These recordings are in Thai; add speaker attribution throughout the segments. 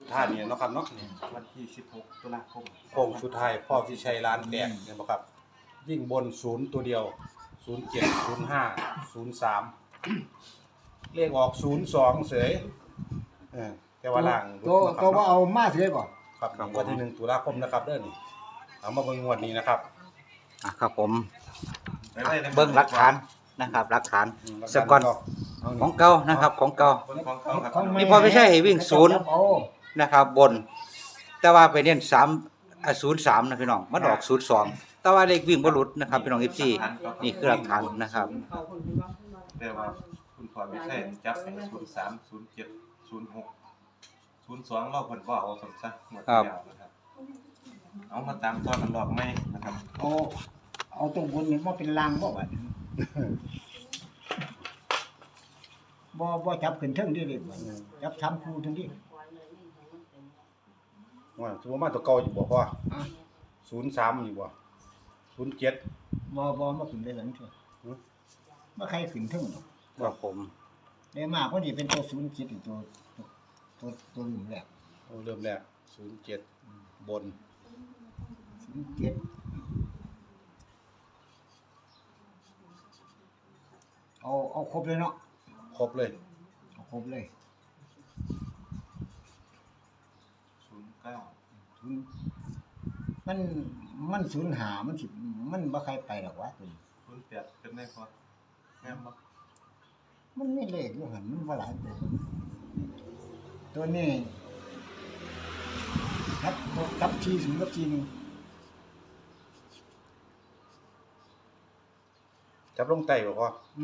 Speaker 1: ท้ายนี่เนาะครับเนาะนี่
Speaker 2: วันที่16ตุลาคม
Speaker 1: โค้งสุดท้ายพ่อที่ชัยร้านแดงเนี่ยบ่ครับยิ่งบน0ตัวเดียว07 05 03เลขออก02เสยแต่ว่าล่าง
Speaker 3: ตัวว่าเอามาเสียบ่
Speaker 1: ครับวันที่1ตุลาคมนะครับเด้อนี่เอามาเบิ่งงวดนี้นะครับ
Speaker 4: ครับผมเบิ่งหลักฐานนะครับหลักฐานสกอนของเก่านะครับของเก่า
Speaker 2: ของเขาครับ
Speaker 4: นี่พอไม่ใช่วิ่งศูนย์นะครับบน แต่ว่าไปเน้น03นะพี่น้องมันออก02แต่ว่าเลขวิ่งบ่หลุดนะครับพี่น้อง FC นี่คือหลักฐานนะครับ
Speaker 2: แต่ว่าคุณพ่อไม่ใช่จับให้03 07 06 02เราเพิ่นบ่เอาสมซะหมดแล้วนะครับเอามาตามตอนมันดอกไม้นะครับ
Speaker 3: เอาตรงบนนี่มาเป็นรางบ่บัดบ่จับขึ้นเทิงดิเลยจับทำคู่ทั้งดิ
Speaker 1: ว่าสมมุติมาตัวเก่าอยู่บ่พ่อ03อยู่บ่07
Speaker 3: บ่มาขึ้นได้หลังเถอะบ่ใครขึ้นเทิงหรอก
Speaker 4: ครับผม
Speaker 3: ได้มากพอดีเป็นตัว07อีกตัวหนึ่งแหละ
Speaker 1: เริ่มแรก07บน
Speaker 3: 07เอาครบเลยเนาะ
Speaker 1: ครบเลย
Speaker 3: เอาครบเลย
Speaker 2: 09
Speaker 3: มันสูญหามันสิมันบ่ใครไปหรอกวะตัวนี้
Speaker 2: 08เป็นได้พอแม่นบ่
Speaker 3: มันไม่เลขอยู่หั่นมันบ่หลายตัวนี้ครับทีถึงกับทีนึง
Speaker 1: จับลงไต้บ่พ่อ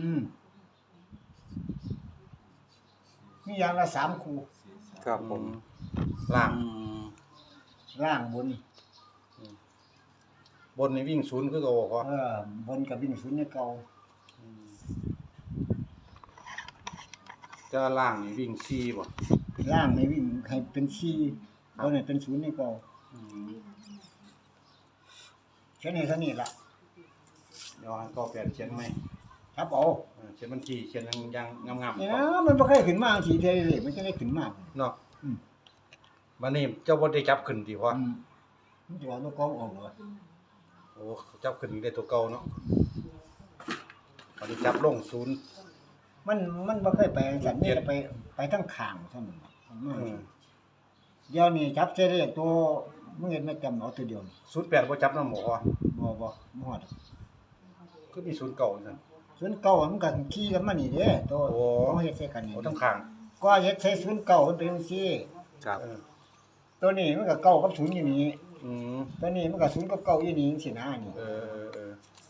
Speaker 3: มีอย่างละ3คู่
Speaker 4: ครับผม
Speaker 1: ล่าง
Speaker 3: ล่างบน
Speaker 1: บนนี่วิ่ง0คือเก่าบ่พ่อบ
Speaker 3: นกับวิ่งศูนย์เนี่ยเก่า
Speaker 1: จะล่างนี่วิ่ง4บ่
Speaker 3: ล่างนี่วิ่งให้เป็น4บนนี่เป็นศูนย์เนี่ยเก่าแค่นี้ล่ะ
Speaker 1: เดี๋ยวให้พ่อแปลเขียนไหม
Speaker 3: ครับเอา
Speaker 1: เขียนบัญชีเขียนยังงามๆ
Speaker 3: นี่นะมันบ่เคยขึ้นมาทีเดียวเลยมันจะได้ขึ้นมา
Speaker 1: เนาะวันนี้เจ้าบ่ได้จับขึ้นติพ่อ
Speaker 3: มันจะว่าตัวกองออกเหรอ
Speaker 1: โอ้จับขึ้นได้ตัวเก่าเนาะวันนี้จับลง0
Speaker 3: มันบ่เคยไปสั่นนี่ไปทั้งข้างซั่นเดี๋ยวนี้จับเสร็จตัวมึงเห็นไม่จำเอาตัวเดียว
Speaker 1: 08บ่จับนำบ่พ่อ
Speaker 3: บ่ฮอด
Speaker 1: คือมี0เก่าซั่น
Speaker 3: ศูนย์เก่ามันก็ขี่กันมานี่เด้ตัว
Speaker 1: โอ้
Speaker 3: เขาเฮ็ดใส่กันนี่
Speaker 1: โอ้ทั้งข้าง
Speaker 3: ก็เฮ็ดใส่ศูนย์เก่ามันเป็นจังซี่
Speaker 4: ครับ
Speaker 3: ตัวนี้มันก็เก่ากับศูนย์อยู่นี่
Speaker 1: อืม
Speaker 3: ตัวนี้มันก็ศูนย์กับเก่าอยู่นี่จังซี่นะนี่
Speaker 1: เออ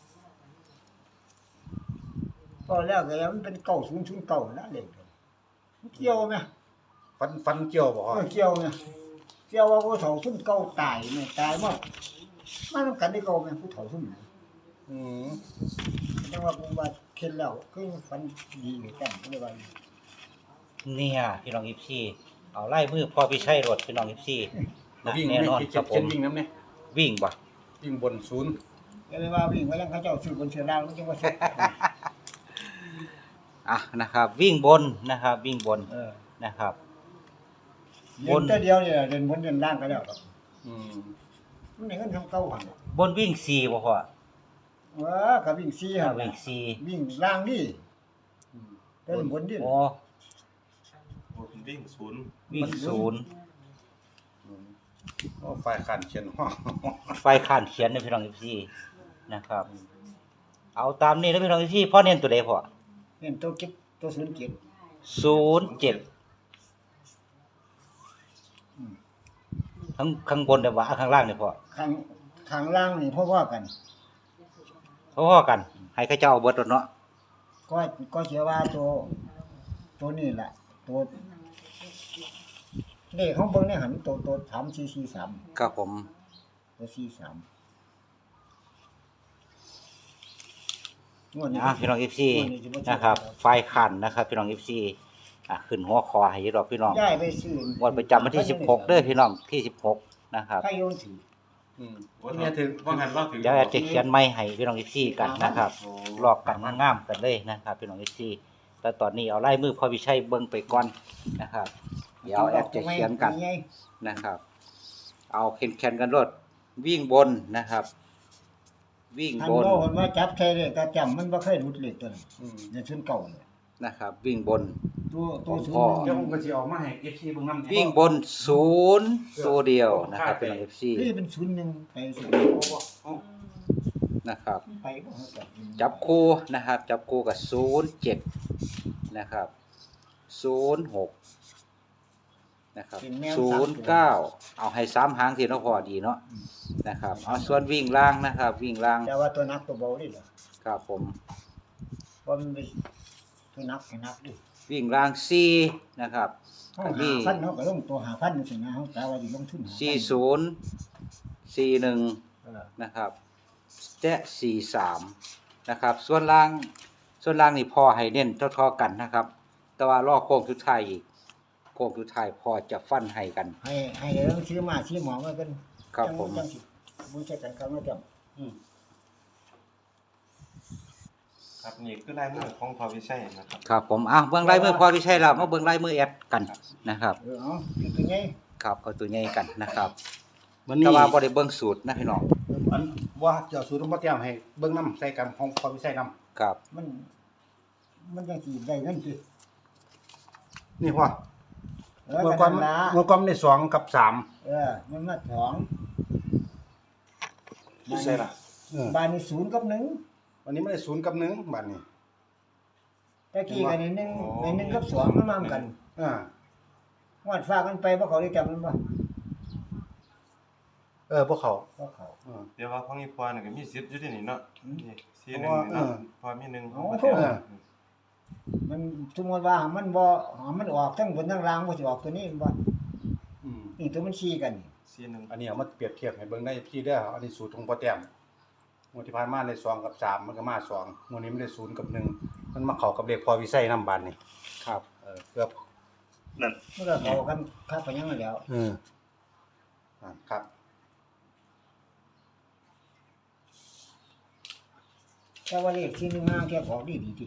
Speaker 3: ตอนแรกก็มันเป็นเก่าศูนย์เก่านะเด็กมันเกี่ยวไหม
Speaker 1: ฟันเกี่ยวบ่พ่อ
Speaker 3: เกี่ยวไหมเกี่ยวว่าผู้เฒ่าศูนย์เก่าตายแม่ตายมามันกันได้เก่าแม่ผู้เฒ่าศูนย์
Speaker 1: อืม
Speaker 3: จังว่าผมว่าเข็ดแล้วคือฟันดีอยู่กันก็เลยว่า
Speaker 4: เนี่ยพี่น้อง FC เอาไล่มือพอพี่ชัยรถพี่น้อง FC นะ
Speaker 1: วิ่ง
Speaker 4: แน่นอน
Speaker 1: ไม่
Speaker 4: ครับผ
Speaker 1: เขีย
Speaker 4: ม
Speaker 1: นวิ่งนำแน่
Speaker 4: วิ่งบ่
Speaker 1: วิ่งบน0
Speaker 3: ก็เลยว่าวิ่งว่ายังเขาเจ้าซื้อบนเชือล่างมันจังว่าสุด
Speaker 4: นะครับวิ่งบนนะครับวิ่งบนนะครับ
Speaker 3: เดินแต่เดียวเนี่ยเดินบนเดินล่างก็แล้วครับ
Speaker 1: อืม
Speaker 3: มันได้เงินทำเก่าหั่น
Speaker 4: บนวิ่ง4บ่พ่อ
Speaker 3: ว่าก็วิ่ง4หั่น
Speaker 4: วิ่ง4
Speaker 3: วิ่งล่างนี่เดินบนดิ
Speaker 4: โอ้
Speaker 2: โอ้เป็นวิ่ง0
Speaker 4: วิ่ง0
Speaker 1: โอ้ฝ่ายขันเขียนห้อง
Speaker 4: ไฟข้านเขียนในพี่น้อง FC นะครับ เอาตามนี้แล้วพี่น้อง FC พ่อเน้นตัวใดพ่อ
Speaker 3: เห็นตัวเก็บตัว07
Speaker 4: 07ข้างบนได้ว่าข้างล่างนี่พ่อ
Speaker 3: ข้างล่างนี่เพราะว่ากัน
Speaker 4: พอๆกัน ให้เขาเจ้าเอาเบิดรถเนาะ
Speaker 3: ก็เชื่อว่าตัวนี้แหละตัวเลขของเบิ่งในหันตัว3443
Speaker 4: ครับผม
Speaker 3: ตัว43งวดนี้
Speaker 4: พี่น้อง FC นะครับไฟขันนะครับพี่น้อง FC ขึ้นหัวคอให้อยู่ดอกพี่น้อง
Speaker 3: ย้ายไปซื้อ
Speaker 4: วันประจำวันที่16เด้อพี่น้องที่16นะครับ
Speaker 3: ใครโยนถือ
Speaker 2: ว่าเนี่ยถึงว่าหันว่าถึง
Speaker 4: เดี๋ยวจะเขียนไม้ให้พี่น้อง FC กันนะครับลอกกันงามๆกันเลยนะครับพี่น้อง FC แต่ตอนนี้เอาลายมือพ่อวิชัยเบิ่งไปก่อนนะครับเดี๋ยวแอดจะเขียนกันนะครับ เอาแข่งกันรถวิ่งบนนะครับ วิ่ง
Speaker 3: ท่าน
Speaker 4: บน
Speaker 3: โลคนว่าจับใช้เลขตาจำมันบ่เคยหลุดเลขตัวนี้ในชุดเก่าเนี่ย
Speaker 4: นะครับ วิ่งบน
Speaker 3: ตัวศูน
Speaker 4: พ่อ
Speaker 3: ย์
Speaker 1: เดี๋ยวผมก็สิออกมาให้ FC เบิ่งนำ
Speaker 4: วิ่งบนศูนย์ตัวเดียวนะครับเป็น FC
Speaker 3: นี่เป็นศูนย์หนึ่งไปสิ
Speaker 4: นะครับ
Speaker 3: ไปบ่ฮอด
Speaker 4: จับคู่นะครับ จับคู่กับ07นะครับ06นะครับ09เอาให้3หางที่เนาะพอดีเนาะนะครับเอาส่วนวิ่งล่างนะครับ วิ่งล่าง
Speaker 3: แต่ว่าตัวนักตัวเบาดิเหรอ
Speaker 4: ครับผม
Speaker 3: ว่ามันเป็นตัวนักให้นักดิ
Speaker 4: วิ่งล่าง4นะครับ
Speaker 3: เฮา5,000เนาะก็ลงตัว5,000จังซี่นะเฮาแต่ว่าสิลงทุน5,000
Speaker 4: 40 41
Speaker 3: เออ
Speaker 4: นะครับและ43นะครับส่วนล่างนี่พอให้เน้นเท่าๆกันนะครับ แต่ว่ารอโค้งสุดท้ายอีกโค้งสุดท้ายพอจะฟันให้กัน
Speaker 3: ให้เรื่องซื้อมาซื้อหมอมาเป็น
Speaker 4: ครับผม
Speaker 3: จังสิบ่ใช่กันครับว่าจำ
Speaker 2: ครับนี่คือลายมือของพอวิชัยนะครับ
Speaker 4: ครับผมเบิ่งลายมือพอวิชัยแล้วมาเบิ่งลายมือแอดกันนะครับ
Speaker 3: เอาคือไง
Speaker 4: ครับเอาตัวใหญ่กันนะครับ
Speaker 1: วันนี้
Speaker 4: แต่ว่าบ่ได้เบิ่งสูตรนะพี่น้อง
Speaker 1: อันว่าเจ้าสูตรบ่แต้มให้เบิ่งนำใส่กันของความวิสัยนำ
Speaker 4: ครับ
Speaker 3: มันจังสิได้เงินติ
Speaker 1: นี่พ่อ
Speaker 3: เออ
Speaker 1: เมื่อ
Speaker 3: กั
Speaker 1: ก่อน
Speaker 3: นละ
Speaker 1: เมื่อก่อนได้2กับ3
Speaker 3: มันมาสอง
Speaker 2: วิชัยล่ะ
Speaker 3: บ้านนี้0กับ
Speaker 1: วันนี้ไม่ได้0กับ1บัดนี้
Speaker 3: 1ตะกี้กันนี่1กับ2มันมากัน
Speaker 1: อ่าง
Speaker 3: วดฝากกันไปบ่เขาได้จำมันบ่
Speaker 1: พวกเขา
Speaker 3: บ่เขา
Speaker 2: เดี๋ยวว่าของอีพอนี่ก็มีสิทธิ์อยู่ที่นี่เนาะนี่ซีห
Speaker 1: เพ
Speaker 2: นึ่
Speaker 1: ราะ
Speaker 2: ง
Speaker 1: ว่า
Speaker 2: นี่เนาะพอมีหนึ่ง
Speaker 3: โอ้
Speaker 2: ของ
Speaker 3: โห
Speaker 2: ประเทศ
Speaker 3: มันสมมุติว่ามันบ่มันออกทั้งบนทั้งล่างบ่สิออกตัวนี้บ่
Speaker 1: อืม
Speaker 3: นี่ตัวมันชี้กันนี่
Speaker 2: ซีหนึ่ง
Speaker 1: อันนี้เอามาเปรียบเทียบให้เบิ่งได้พี่เด้ออันนี้สูตรของพ่อแต้มงวดที่ผ่านมาได้2กับ3มันก็มา2งวดนี้มันได้0กับ1มันมาเข้ากับเลขพอวิสัยนำบัดนี้
Speaker 4: ครับ
Speaker 1: เกือบ
Speaker 3: มันก็เข้ากันคักไปยังนั้นแล้ว
Speaker 1: ครับ
Speaker 3: แต่ว่าเลขที่1 5แค่ออกดีติ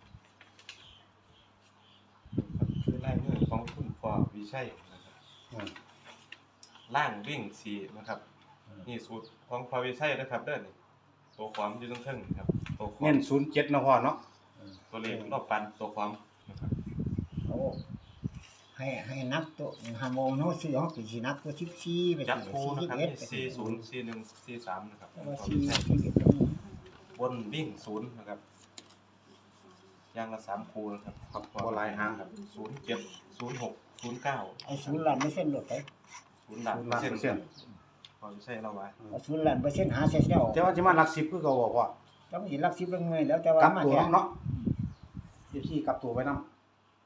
Speaker 2: คือลายมือของคุณพอวิชัยนะครับ
Speaker 1: อืม
Speaker 2: ล่างวิ่งสี่นะครับนี่สูตรของพอวิชัยนะครับเด้อนี่ตัวความอยู่ตรงเทิงครับตัวควา
Speaker 1: เน้
Speaker 2: ม
Speaker 1: น07เนาะพ่อเนาะ
Speaker 2: ตัวเลขรอบปันตัวความนะครับ
Speaker 3: โอ้ให้นับตัว5โมงเนาะซื้อเฮาสินับตัว14ไป
Speaker 2: จับคู่นะครับนี่
Speaker 3: 41
Speaker 2: ซีศูนย์ซีหนึ่งซีสามนะครับ
Speaker 3: แต่ว่า
Speaker 2: พอวิชัย
Speaker 3: 41
Speaker 2: บนวิ่งศูนย์นะครับอย่างละ3คู่นะครับ
Speaker 1: ครับบ่หลายหาง
Speaker 2: ครับ07 06 09
Speaker 3: เอา0ล้านเปอร์เซ็นต์ลดไป
Speaker 2: 0ล้านเปอร์เซ็นต์พอวิชัยเราไว้
Speaker 3: เอา0ล้านเปอร์เซ็นต์หาเสียเจ้า
Speaker 1: แต่ว่าสิมาหลัก10คือเก่าบ่พ่อ
Speaker 3: ต้องสิรัก10เรื่องเงินแล้วแต่ว่าก
Speaker 1: ลับ
Speaker 3: มา
Speaker 1: ตัว
Speaker 3: แค่
Speaker 1: นำเนาะพี่กลับตัวไว้นำ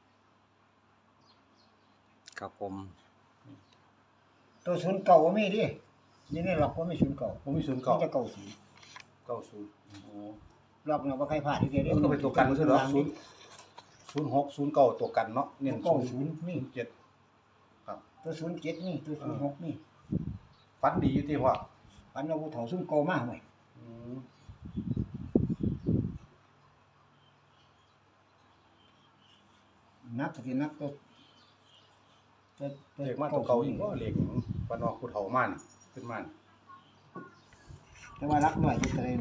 Speaker 4: ครับผม
Speaker 3: ตัว0เก่าบ่มีดินี่ในหลอกบ่มี0เก่า
Speaker 1: ผมมี0
Speaker 3: มัน
Speaker 1: เก่า
Speaker 3: จะเก่า0
Speaker 1: 90โอ้
Speaker 3: หลอกเนาะบ่ใครพลาดทีเดียว
Speaker 1: ก็เป็นตัวกันคือเนาะ06 09ตัวกันเนาะเน้น
Speaker 3: เก่า
Speaker 1: 0
Speaker 3: 0นี่
Speaker 1: 07ครับ
Speaker 3: ตัว07นี่ตัว06นี่
Speaker 1: ฟันดีอยู่ที่พ่อ
Speaker 3: ปันเอาผู้เฒ่าซุ่มเก่ามาห่วย
Speaker 1: อืม
Speaker 3: นักก็สินักตัว
Speaker 1: เลขมาตัวเก่าอีกบ่เลขปานออกผู้เฒ่ามานี่ขึ้นมานี่
Speaker 3: แต่ว่ารักน้อยอยู่ตะเลน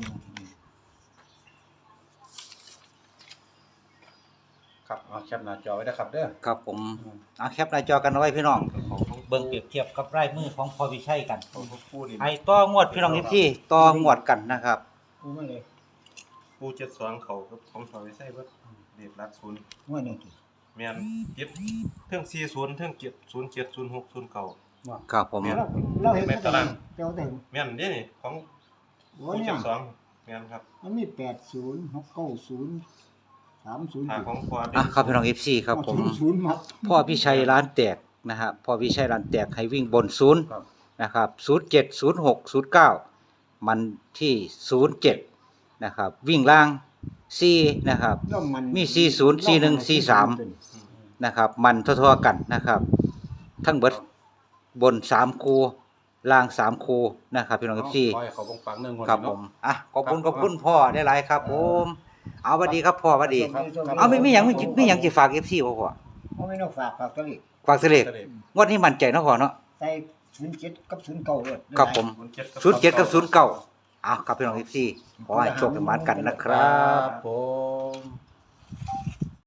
Speaker 1: ครับเอาแคปหน้าจอไว้นะครับเด้อ
Speaker 4: ครับผมเอาแคปหน้าจอกันเอาไว้พี่น้อง
Speaker 2: ของ
Speaker 4: เบิ่งเปรียบเทียบกับลายมือของพอวิชัยกัน
Speaker 2: ของคู่นี่
Speaker 4: ให้ต่องวดพี่น้องที่ต่องวดกันนะครับ
Speaker 3: กูมาเลย
Speaker 2: คู่72เขากับของพอวิชัยเบิดเลขหลักศูนย์
Speaker 3: งวดนี้ติ
Speaker 2: แม่นเก็บเทิง40เทิง07 06 09
Speaker 4: ครับผม
Speaker 3: เราเห็นแต่ละเจ้าแต่
Speaker 2: แม่นเด้นี่ของ
Speaker 3: โอ้
Speaker 2: คู่
Speaker 3: เนี่ย
Speaker 2: 72แม่นครับ
Speaker 3: มันมี80 690 30
Speaker 2: ทางของพอ
Speaker 4: ครับพี่น้อง FC ครับผม
Speaker 3: 0มัด
Speaker 4: พ่อพิชัยร้านแตกนะครับพ่อพิชัยร้านแตกให้วิ่งบน0
Speaker 1: ครับ
Speaker 4: นะครับ07 06 09มันที่07นะครับวิ่งล่าง4นะครับ
Speaker 3: แล้วมัน
Speaker 4: มี40 41 43นะครับมันทั่วๆกันนะครับทั้งเบิดบน3คู่ล่าง3คู่นะครับพี่น้อง FC
Speaker 1: ขอให้เขาปังๆเรื่อง
Speaker 4: ครับผมขอบคุณพ่อได้หลายครับผมเอาสวัสดีครับพ่อสวัสดี
Speaker 1: ครับ
Speaker 4: เอาไม่หยังสิฝาก FC บ่พ่อ
Speaker 3: เอาไม่ต้องฝากตัวเลข
Speaker 4: ฝากเสลกงวดนี้มั่นใจเนาะพ่อเนาะ
Speaker 3: ใส่07กับ09ด้วย
Speaker 4: ครับผม
Speaker 2: 07
Speaker 4: 07กับ09อ้าวครับพี่น้อง FC ขอให้โชคดีมากันนะครับ
Speaker 1: ผม